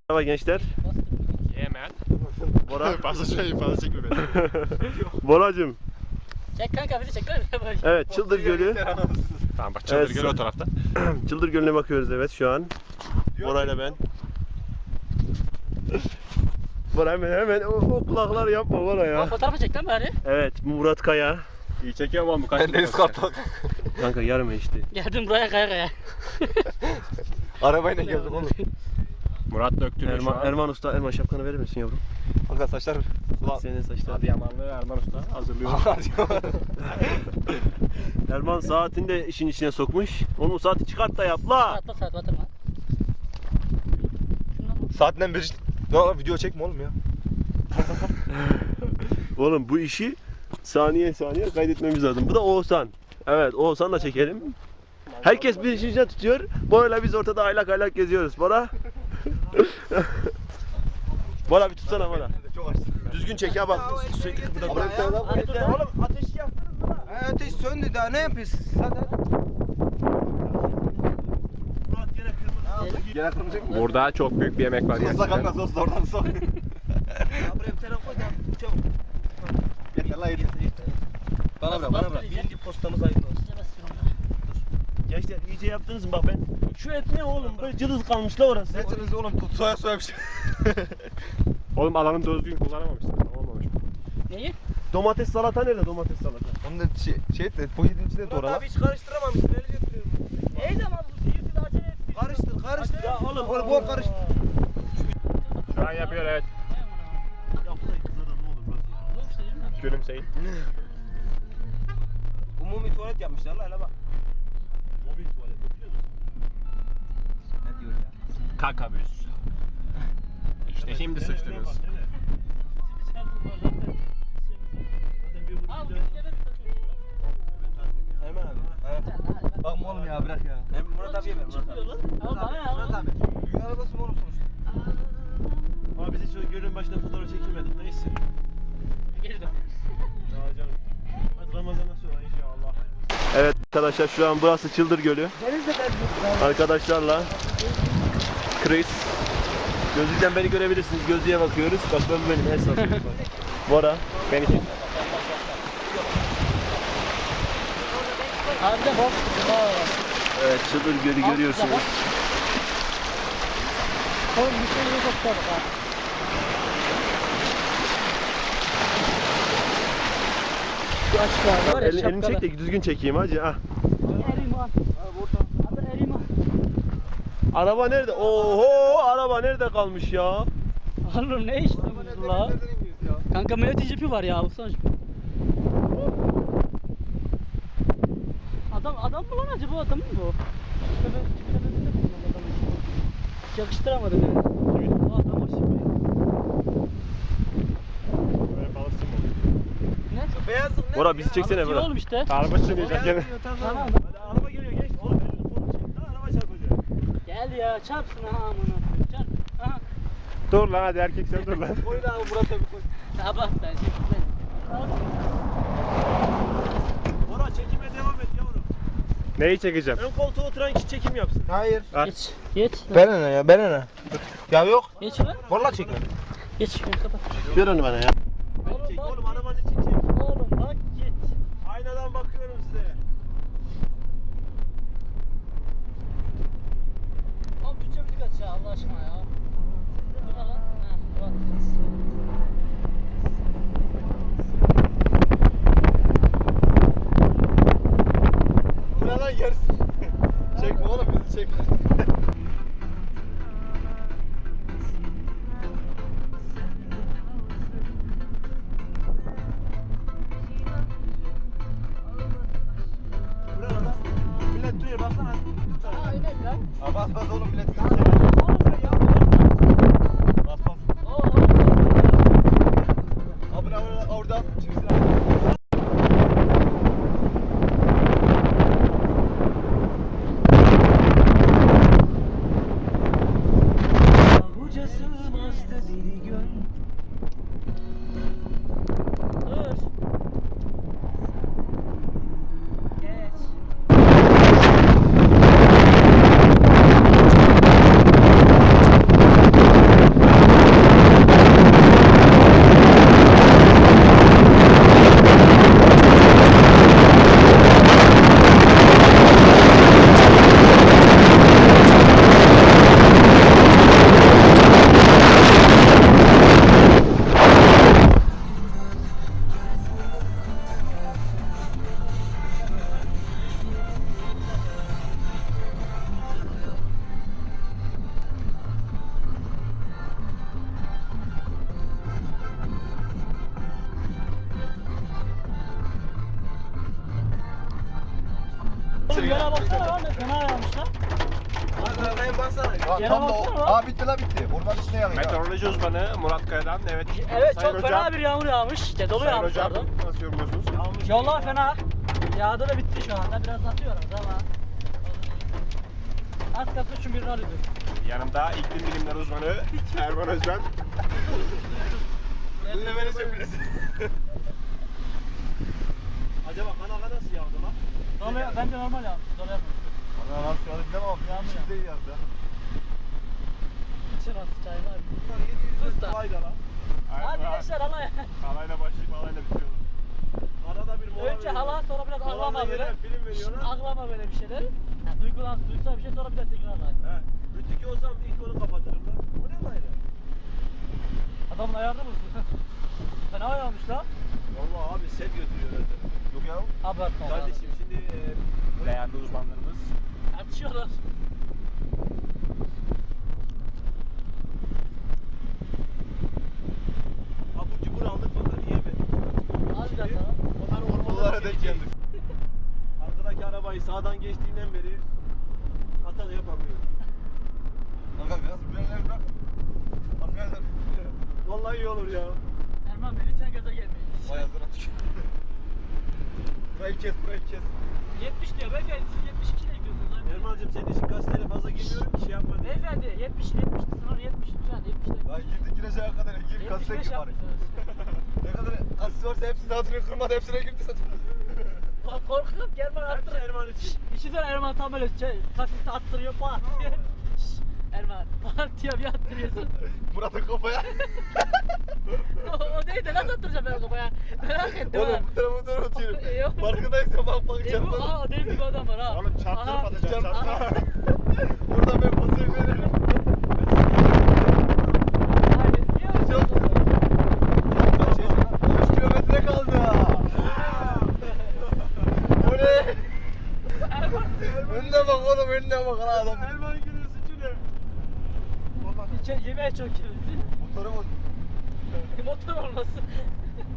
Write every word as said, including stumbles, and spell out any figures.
Merhaba gençler. Yemen. Bora. Fazla şey fazla çekme beni. Boracığım. Çek kanka bizi çek lan. Evet, Çıldır Gölü. Tamam bak Çıldır Evet, Gölü o tarafta. Çıldır Gölü'ne bakıyoruz evet şu an. Bora'yla ben. Bora hemen hemen o, o kulakları yapma Bora ya. Fotoğrafı çek lan bari. Evet, Murat Kaya. İyi çekiyorum ama bu kaç. Ben deniz kartal. Kanka yarım işte. Geldim buraya kaya kaya. Arabayla geldim oğlum. Murat döktürüyor şu Erman, an. Erman Usta, Erman şapkanı verir misin yavrum? Kanka saçlar. Ulan. Senin saçlar. Adıyamanlı Erman Usta hazırlıyor. Erman saatini de işin içine sokmuş. Onun saati çıkart da yap la. Atla saat batırma. Saatten beri ne oğlum video çekme oğlum ya. Oğlum bu işi saniye saniye kaydetmemiz lazım. Bu da Oğuzhan. Evet, Oğuzhan da çekelim. Herkes bir işin içine tutuyor. Bora'yla biz ortada aylak aylak geziyoruz. Bora. Bora bir tutsana Bora. Çok açtım. Düzgün çek ya bak. Sürekli burada Buraya bir tane daha koy. Oğlum ateş yaktınız mı? Ha, ateş söndü daha ne yapıyorsunuz? Hadi hadi. Murat gene kırmızı. Gene kırmızı mı? Burada çok büyük bir yemek var. Sosla gerçekten. kanka sosla oradan sok. Ya buraya bir tane koy da çabuk. Yeter la yeter. Bana bırak bana bırak. Birinci postamız hayırlı olsun. Gençler iyice yaptınız mı? Bak ben şu et ne oğlum? Böyle cılız kalmış la orası. Netiniz oğlum tut soya soya bir şey. Oğlum alanın düzgün kullanamamışsın. Olmamış. Neyi? Domates salata nerede domates salata? Onu da şey, şey et de poşetin içine Murat doğra la. abi hiç karıştıramamışsın. Öyle götürüyorum. Neydi ama bu sihirli de acele et. Karıştır karıştır. Ya oğlum Oğlum bol karıştır. Şu an yapıyor evet. Yapsaydı kızarır ne olur burası. Gülümseyin. Umumi tuvalet yapmışlar la hele bak. Mobil tuvalet biliyor musun? Ne diyor ya? Kakabüs. İşte şimdi sıçtınız. Hemen abi. Evet. Bakma oğlum ya bırak ya. Hem Murat abiye ver Murat abi. Murat abi. Düğün arabası mı oğlum sonuçta? Ama biz hiç o gölün başında fotoğraf çekilmedik neyse. Geri dön. Daha canım. Hadi Ramazan'dan sonra inşallah. Evet arkadaşlar şu an burası Çıldır Gölü. Arkadaşlarla Chris. Gözlükten beni görebilirsiniz. Gözlüğe bakıyoruz. Bak ben benim hesabım. Bora. Beni çek. Abi de bak. Evet Çıldır Gölü görüyorsunuz. Oğlum bir şey yok çok ha. Şu açıklar var ya Elini, elini çek şapkalı. de düzgün çekeyim hacı. Ah. Eriman. Abi Eriman. Araba nerede? Oho araba nerede kalmış ya? Oğlum ne işte bu la? Kanka Mehmet cipi var ya baksana. Adam adam mı lan acaba adam mı bu? Şöyle cipine benziyor mu adamı? Hiç yakıştıramadım yani. Bu adam var şimdi. Böyle balıkçı mı oluyor? Ne? Beyazlık ne? Bora bizi çeksene Şey Bora. oğlum işte. Araba sürüyecek gene. Tamam. Hadi araba geliyor genç. Oğlum elini kolunu çek. Daha araba çarpacak. Gel ya çarpsın ha amına. Çarp. Aha. Dur lan hadi erkek sen dur lan. Koy da abi Murat abi koy. Sabah ben şimdi ben. Bora çekime devam et yavrum. Neyi çekeceğim? Ön koltuğa oturan kişi çekim yapsın. Hayır. At. Geç. Geç. Ben ne ya ben ne? Ya yok. Geç lan. Vallahi çekin. Geç. Şunu kapat. Ver onu bana ya. Oğlum Çek bak. oğlum arabanın için çek. Oğlum bak git. Aynadan bakıyorum size. Oğlum bütçe müzik aç ya Allah aşkına ya. Bu ne lan? Ha, Murat. Bu ne lan yersin? Çekme oğlum bizi çekme. Buraya lan. Millet duruyor baksana. Aa öyle lan. Ha bas bas oğlum millet bizi Oğlum çekme. ya. Bas bas. Oo. Abi orada orada. Çeksin abi. Dur. Geç. Oğlum yana baksana lan ne fena yağmış lan. Arkaya baksana. Ha, Yere tam da baksana o. lan. Ha bitti la bitti. Orman içine yanıyor. Meteoroloji uzmanı Murat Kaya'dan evet. Evet Sayın çok hocam, fena bir yağmur yağmış. İşte dolu Sayın yağmış hocam pardon. nasıl yorumluyorsunuz? Yollar fena. Yağdı da bitti şu anda. Biraz atıyoruz ama. Az kalsın şu birini alıyordu. Yanımda iklim bilimleri uzmanı Erman Özben. Eline vereceğim biraz. Acaba kanaka nasıl yağdı lan? Dolu, bence normal yağmış. Dolu yapmış. Ana lan şu an bilemem ama Yağmur bizim değil yandı. İçin az çay var. Sus da. Kolay da lan. Hadi gençler halaya. Halayla başlayıp halayla bitiyor. Arada bir mola Önce hala sonra biraz ağlama böyle. Film veriyorlar. Ağlama böyle bir şeyler. Yani duygulan, duygusal bir şey sonra bir de tekrar ağlar. He. Rütükü olsam ilk onu kapatırım lan. Bu ne lan ya? Adamın ayarda mısın? Fena yağmış lan. Vallahi abi sel götürüyor öyle. Yok ya. Abartma. Kardeşim şimdi e, Değerli uzmanlarımız. Tartışıyorlar. abur cubur aldık fakat yiyemedik. Az bir dakika lan. Onlar Bunlara ormana denk geldik. Arkadaki arabayı sağdan geçtiğinden beri hata yapamıyorum. Kanka biraz bilenleri bırak. Arkadaşlar. Vallahi iyi olur ya. Erman Bey lütfen gaza gelmeyin. Vay ağzına tükür. Burayı kes burayı kes. yetmiş diyor beyefendi siz yetmiş iki ile gidiyorsunuz. abi. Erman'cığım senin için gazeteyle fazla girmiyorum ki şey yapma diye. Beyefendi yetmiş yetmiş sınır yetmiş lütfen yetmiş ile. Lan girdik gireceğe kadar gir yetmiş kasaya beş gir bari. yapmışsınız. Ne kadar kasis varsa hepsini hatırını kırmadı hepsine girdi zaten. Bak korkuyorum ki Erman Hepsi attırıyor. Erman için. İçinden Erman tam böyle şey, kasiste attırıyor pat diye. Şşş, Erman pat diye bir attırıyorsun. Murat'ın kafaya. o, o değil de nasıl attıracağım ben o kafaya? Merak ettim Oğlum ha. bu tarafa bu tarafa atıyorum. Yok. Farkındaysan bak bak E bu çarpmadı. aa o değil bir adam var ha. Oğlum çarptırıp Aha, atacağım, çarp- çarptırıp. Buradan ben pasayı veririm. Haydi, biliyor musun? Çok güzel. Şey, on üç kilometre kaldı. Oley. Erman. Önüne bak oğlum önüne bak lan adam. Erman günün suçu ne? İçe, yemeğe çok yiyoruz. Motoru mu? Motor olması.